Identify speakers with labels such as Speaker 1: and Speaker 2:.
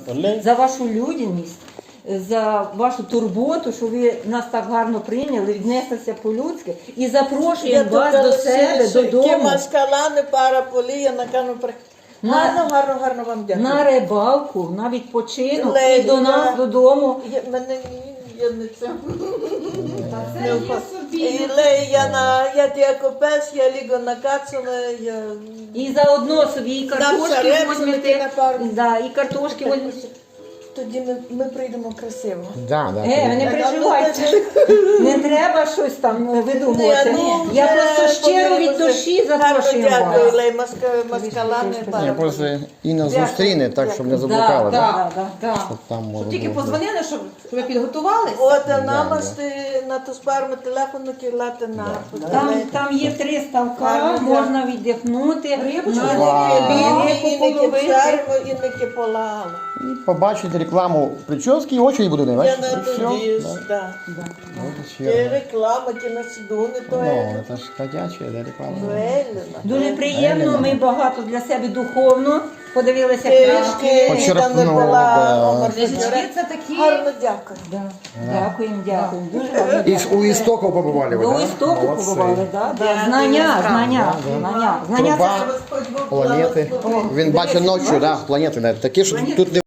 Speaker 1: за вашу людяність, за вашу турботу, що ви нас так гарно прийняли, віднеслися по-людськи і запрошуємо вас до себе, додому.
Speaker 2: Маскалани, пара полія, на кану гарно вам дякую.
Speaker 1: На рибалку, на відпочинок
Speaker 2: Лея,
Speaker 1: і до нас додому.
Speaker 2: Я не це. Я тяко пес, я ліго накацана, я...
Speaker 1: І заодно собі і картошки
Speaker 2: шареп
Speaker 1: возьмете,
Speaker 2: на пару.
Speaker 1: да, і картошки возьмете.
Speaker 2: Тоді ми прийдемо красиво.
Speaker 3: Да.
Speaker 1: Ви не переживайте, не треба щось там видумувати. Я просто щиро від душі запрошую вас.
Speaker 2: Дякую, Лей, Маскалани, пара
Speaker 3: Я просто Інна зустріне, так, щоб не заблукала.
Speaker 4: Так.
Speaker 3: Там може
Speaker 4: Тільки
Speaker 3: бути.
Speaker 4: позвонили, щоб ви підготувалися.
Speaker 2: От намасти на ту спарму телефону кілати на...
Speaker 1: Там є 3 ставка, можна віддихнути,
Speaker 4: Рибочку
Speaker 2: Інники пшаримо, інники полали.
Speaker 3: І побачити рекламу прически і очі буде не
Speaker 2: Я
Speaker 3: бачите.
Speaker 2: на
Speaker 3: І все.
Speaker 2: тоді,
Speaker 3: Да.
Speaker 2: так.
Speaker 3: От і
Speaker 2: Ті
Speaker 3: все.
Speaker 2: реклама, ті на сідуни, то
Speaker 3: Ну, це ж ходяча, да, реклама.
Speaker 1: Дуже приємно, ми багато для себе духовно подивилися
Speaker 2: Книжки,
Speaker 1: книжки.
Speaker 3: Почерпнули,
Speaker 2: там не була,
Speaker 3: да.
Speaker 4: Книжечки це такі.
Speaker 2: Гарно дякую.
Speaker 1: Дякуємо, дуже гарно.
Speaker 3: І ж у істоків побували ви,
Speaker 1: До
Speaker 3: да?
Speaker 1: істоку
Speaker 3: Молодці.
Speaker 1: побували, знання
Speaker 3: Труба,
Speaker 2: Господь Бог
Speaker 3: планети.
Speaker 2: благослови.
Speaker 3: Він бачить ночі, да, планети. Такі, що тут не